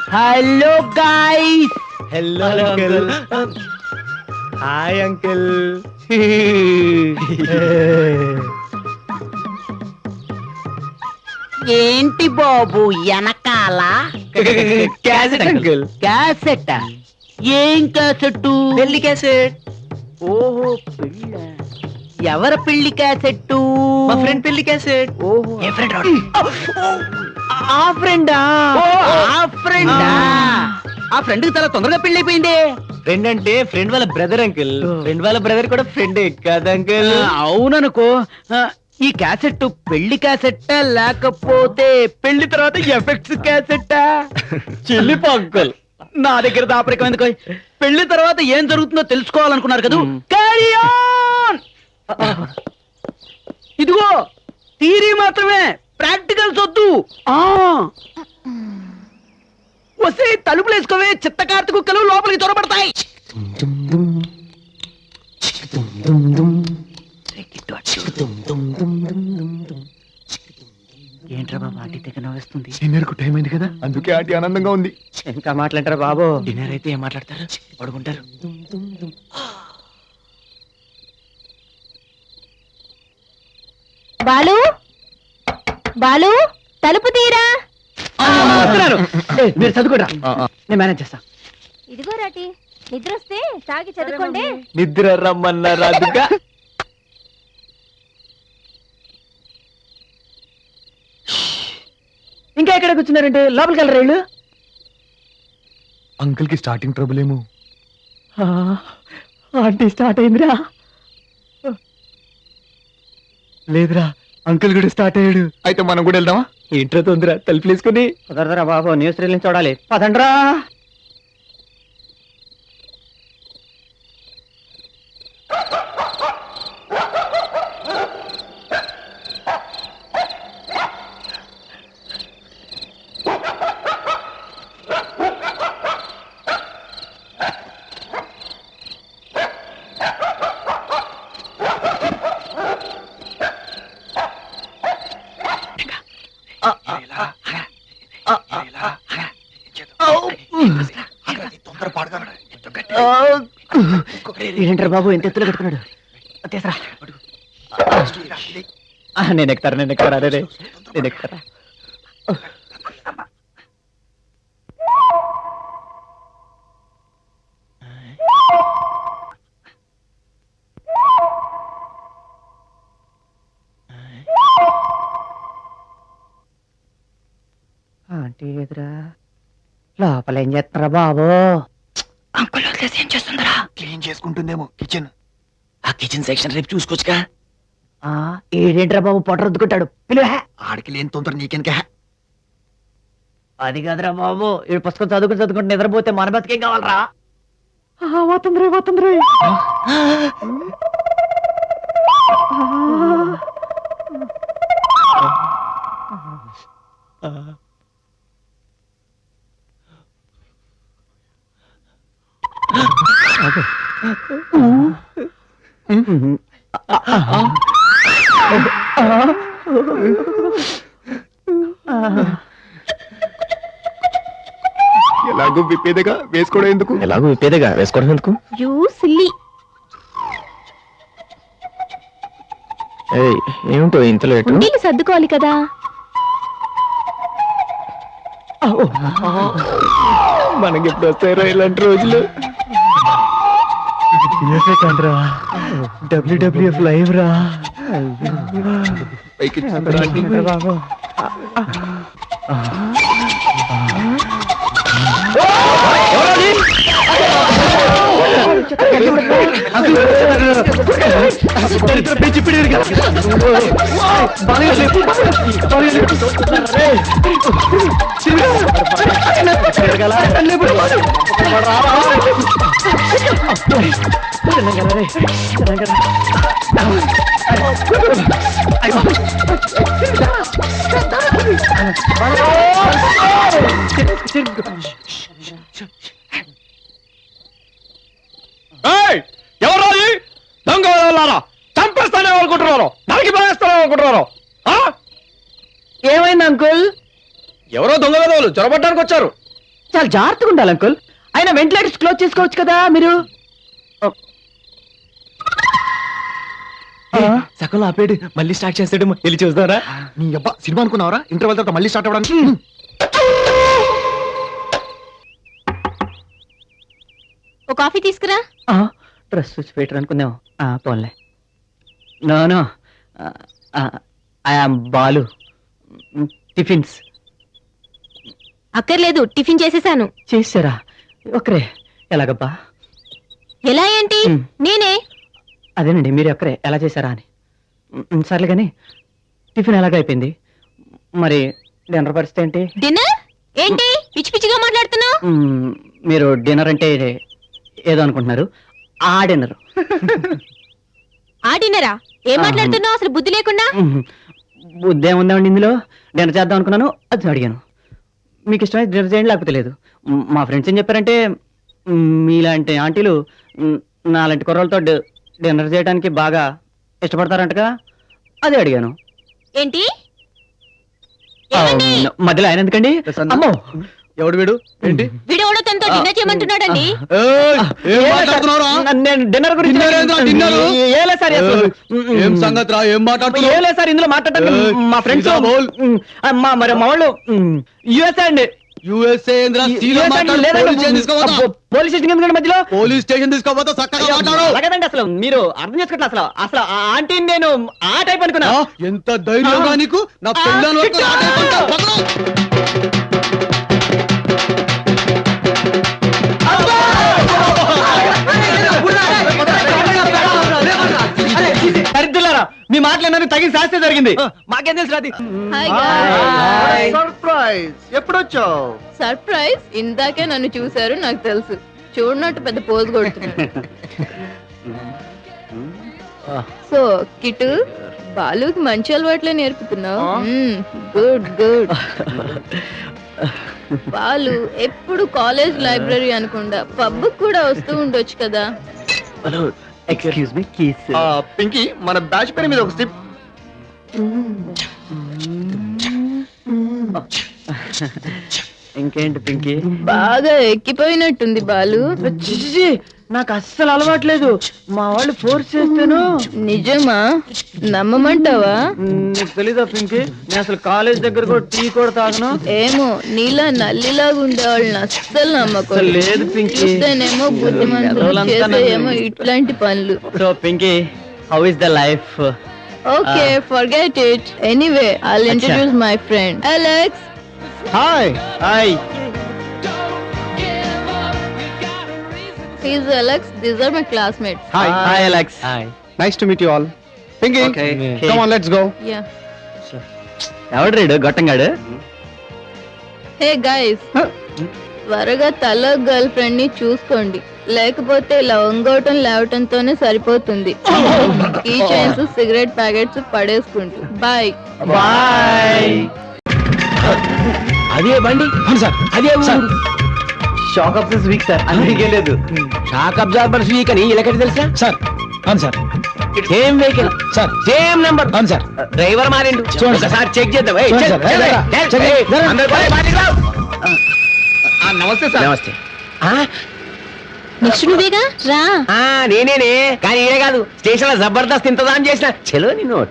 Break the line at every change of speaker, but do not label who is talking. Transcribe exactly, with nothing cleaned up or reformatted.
Hello guys.
Hello uncle. Hi uncle.
ఏంటి బాబు వెనకాల
క్యాసెట్ అంకుల్.
క్యాసెట్? ఏం క్యాసెట్?
పెళ్లి క్యాసెట్.
ఓహో పెళ్ళ. ఎవరి పెళ్లి క్యాసెట్?
మా ఫ్రెండ్ పెళ్లి క్యాసెట్.
ఓహో
ఏ ఫ్రెండ్ రా?
ఆ ఫ్రెండా? ఆ ఫ్రెండా? ఆ ఫ్రెండ్ కి చాలా తొందరగా పెళ్లి అయిపోయింది.
ఫ్రెండ్ అంటే ఫ్రెండ్ వాళ్ళ బ్రదర్ అంకుల్. ఫ్రెండ్ వాళ్ళ బ్రదర్ కూడా ఫ్రెండే కదా అంకుల్?
అవుననుకో. ఆ, ఈ క్యాసెట్ పెళ్లి క్యాసెట్ లేకపోతే పెళ్లి తర్వాత ఎఫెక్ట్స్ క్యాసెట్?
చెల్లిపో అంకుల్.
నా దగ్గర దాపరికం ఎందుకు? పెళ్లి తర్వాత ఏం జరుగుతుందో తెలుసుకోవాలనుకున్నారు కదా. Carry on! ఇదిగో థియరీ మాత్రమే, ప్రాక్టికల్స్ వద్దు. ఆ వస్తే తలుపులు వేసుకోవే, చిత్త కార్తీ కుక్కలు లోపలికి చొరబడతాయి. ఏంట్రా బాబు ఆంటీ దగ్గర నవ్వేస్తుంది?
డిన్నర్ కు టైం అయింది కదా, అందుకే ఆంటీ ఆనందంగా ఉంది.
ఇంకా మాట్లాడతారా బాబు?
డిన్నర్ అయితే ఏం మాట్లాడతారు? పడుకుంటారు.
బాలు బాలు తలుపు తీరా.
వస్తున్నారు. ఏయ్, మీరు చదువుకోరా, నేను మేనేజ్ చేస్తా.
ఇదిగో రాటి, నిద్ర వస్తే తాగి చదువుకోండి.
నిద్ర రమ్మన్నారా? అదుగా
ఇంకా ఎక్కడ కూర్చున్నారంటే లోపలికి వెళ్ళరు వీళ్ళు.
అంకుల్ కి స్టార్టింగ్ ట్రబుల్ ఏమో.
ఆంటీ స్టార్ట్ అయిందిరా.
లేదురా, అంకుల్ కూడా స్టార్ట్ అయ్యాడు. అయితే మనం కూడా వెళ్దామా?
ఏంట్రా తొందర? తలుపులు వేసుకుని
కుదరదురా బాబు, న్యూస్ రీల్ చూడాలి. పదండ్రా. ఏంటారు బాబు ఎంత ఎత్తులో పెట్టుకున్నాడు? తీసరా. నేను ఎక్కుతారా, నేను ఎక్కుతారా, రే నేను ఎక్కుతారా. ఆంటీ ఎదురా. లోపల ఏం చేస్తున్నారా బాబు?
అంకుల్ వదిలేసి ఏం చేస్తుందరా?
క్లీన్ చేసుకుంటుందేమో కిచెన్.
ఆ కిచెన్ సెక్షన్ రేపు చూసుకోవచ్చుగా.
ఆ ఏడేంట్రా బాబు పొట్ట రుద్దుకుంటాడు? పిలువ.
ఆడికి లేని తొందర నీకెనక.
అది కాదురా బాబు, ఈ పుస్తకం చదువుకుని చదువుకుంటే నిద్రపోతే మన బతికేం కావాలరా? పోతుంది పోతుంది.
ఎలాగో విప్పేదగా వేసుకోవడం ఎందుకు?
ఎలాగో విప్పేదేగా వేసుకోవడం ఎందుకు?
You silly.
ఏమిటో ఇంత లేటు?
ఉండీలు సర్దుకోవాలి కదా.
మనకి ఎప్పుడు వస్తాయో ఇలాంటి రోజులు.
డబ్ల్యూడబ్ల్యూఎఫ్ లైవ్ రా
పైకి
బాబు.
ఎవరు దొంగ చంపేస్తానే అనుకుంటున్నారు, నరికి పడేస్తానే అనుకుంటున్నారు.
ఏమైంది అంకుల్?
ఎవరో దొంగ వెధవలు చొరబట్టడానికి వచ్చారు.
చాలా జాగ్రత్తగా ఉండాలి అంకుల్. అయినా వెంటిలేటర్స్ క్లోజ్ చేసుకోవచ్చు కదా మీరు.
సగంలో ఆపేడు మళ్ళీ స్టార్ట్ చేస్తాడు, వెళ్ళి చూస్తారా?
నీ అబ్బా సినిమా అనుకున్నావరా? ఇంటర్వెల్ తర్వాత మళ్ళీ స్టార్ట్ అవ్వడానికి.
ఓ కాఫీ తీసుకురా.
డ్రెస్ స్విచ్ పెట్టరు అనుకుందాం. ఆ, పోన్లే. No no, I am Balu. Tiffins
అక్కర్లేదు, టిఫిన్ చేసేసాను.
చేసారా? ఒకరే ఎలాగబ్బా?
ఎలా ఏంటి?
మ్.
నేనే.
అదేనండి, మీరు ఒక్కరే ఎలా చేశారా అని. మ్, సర్లే కానీ టిఫిన్ ఎలాగ అయిపోయింది, మరి డిన్నర్ పరిస్థితి ఏంటి?
డిన్నర్ ఏంటి పిచ్చి పిచ్చిగా మాట్లాడుతున్నావు?
మ్, మీరు డిన్నర్ అంటే ఏదో అనుకుంటున్నారు. ఆ డిన్నర్.
ఆ డిన్నరా? ఏం
ఆహా.
మాట్లాడుతున్నావు అసలు బుద్ధి లేకుండా?
బుద్ధి ఏముందండి ఇందులో? డిన్నర్ చేద్దాం అనుకున్నాను, అది అడిగాను. మీకు ఇష్టమైతే డిన్నర్ చేయండి, లేకపోతే లేదు. మ్, మా ఫ్రెండ్స్ ఏం చెప్పారంటే మ్, మీలాంటి ఆంటీలు మ్, నాలాంటి కుర్రలతో డి- డిన్నర్ చేయడానికి బాగా ఇష్టపడతారంటగా, అదే అడిగాను.
ఏంటి?
ఆ,
ఏమండి?
మధ్యలో ఆయన ఎందుకండి?
ప్రసన్న.
అమ్మో,
ఎవడు వీడు? ఏంటి?
వీడెవడో తనతో డిన్నర్ చేయమంటున్నాడండి.
ఏయ్, ఏం
ఏలే
మాట్లాడుతున్నావురా?
సార్, నేను డిన్నర్ గురించి
డిన్నర్ ఏంట్రా, డిన్నరు?
ఏలే సార్, అసలు.
ఏయ్, ఏం సంగతి రా? ఏం మాట్లాడుతున్నావు?
ఏలే సార్, ఇందులో మాట్లాడటానికి
ఏయ్,
మా ఫ్రెండ్స్
సీదా బోల్.
మా మరి మా వాళ్ళు యుఎస్ అండి.
యూఎస్ఏ ఏందిరా? సీదా
U S అండి,
మాట్లాడు.
లేదండి,
పోలీస్ స్టేషన్ తీసుకోపోతా.
అబ్బో, పోలీస్ స్టేషన్ ఎందుకండి మధ్యలో?
పోలీస్ స్టేషన్ తీసుకోపోతా, చక్కగా మాట్లాడు.
అలాగేదండి, అసలు మీరు అర్థం చేసుకోవట్లేదు. అసలు అసలు ఆ ఆంటీని నేను ఆ టైప్ అనుకున్నా.
ఆ, ఎంత ధైర్యంగా
ఆ.
నీకు? నా
ఆ,
పెళ్ళాన్ని వరకు
చిట్టా.
ఆటేసుకుంటా. పక్కన.
దరిద్రులారా, మీ మాటలు తగిన శాస్త్రం జరిగింది. మాకేం తెలుసు అది.
Hi guys.
సర్ప్రైజ్. ఎప్పుడొచ్చావు?
సర్ప్రైజ్. ఇందాకే నన్ను చూశారు, నాకు తెలుసు. చూడనట్టు పెద్ద పోజ్ కొడుతున్నాడు. సో కిటు, బాలుకి మంచి అలవాట్లే నేర్పుతున్నావు. Good good. బాలు ఎప్పుడు కాలేజ్ లైబ్రరీ అనుకుండా పబ్ కూడా వస్తూ ఉండొచ్చు కదా.
Excuse me, keys.
ఆ, పింకీ, మన బ్యాచ్ పేరు మీద ఒక స్టిప్.
ఇంకేంటి పింకీ?
బాగా ఎక్కిపోయినట్టుంది బాలు.
చిచి, నాకు అస్సలు అలవాట్లేదు. మా వాళ్ళు ఫోర్స్ చేస్తేను.
నిజమా? నమ్మమంటావా?
నీకు తెలీదా పింకీ, నేను అసలు కాలేజ్ దగ్గర కూడా టీ కూడా తాగను.
ఏమో, నీలా నల్లిలాగా ఉండేవాళ్ళని అస్సలు
అసలు
నమ్మకం
లేదు పింకీ.
చూస్తేనేమో బుద్ధిమంతులు,
ఎదవలంతా
చేసేయేమో
నన్ను-
ఇట్లాంటి పనులు.
So Pinky, how is the life?
Okay, forget it. Anyway, I'll introduce my friend Alex.
Hi hi.
He's Alex. These are my classmates.
Hi.
Hi Alex.
Hi.
Nice to meet you all. Pinky,
Okay.
Come on, let's go.
Yeah.
ఎవడు రీడు గొట్టంగాడు?
Hey guys. త్వరగా తల girl friend ని చూసుకోండి, లేకపోతే ఇలా వంగవటం లేవటంతోనే సరిపోతుంది. ఈ చైన్స్, సిగరెట్ ప్యాకెట్స్ పడేసుకుంటూ. బాయ్.
బాయ్.
అదే బండి. అవును సార్, అదే ఊరు.
Shock of this week sir, అందుకే లేదు.
షాక్ అబ్జార్బర్స్ వీక్ అని ఇలాగటి తెలుసా
సార్, అవును sir.
Same vehicle
sir,
same number.
అవును సార్.
డ్రైవర్ మారిండు.
చూడండి సార్.
ఒకసారి చెక్ చేద్దాం. ఏయ్,
చూడండి
చెక్,
సార్.
చెక్,
ఏయ్,
చెక్,
చెక్,
ఏయ్,
జరగండి.
అందరూ పోయి బయటికి రావు.
నమస్తే సార్.
నమస్తే. ఆ,
నెక్స్ట్ నువ్వేగా రా.
ఆ, నేనేనే కానీ ఈడే కాదు, స్టేషన్ లో జబర్దస్త్ ఇంతదాం చేసిన. చలో నిన్ను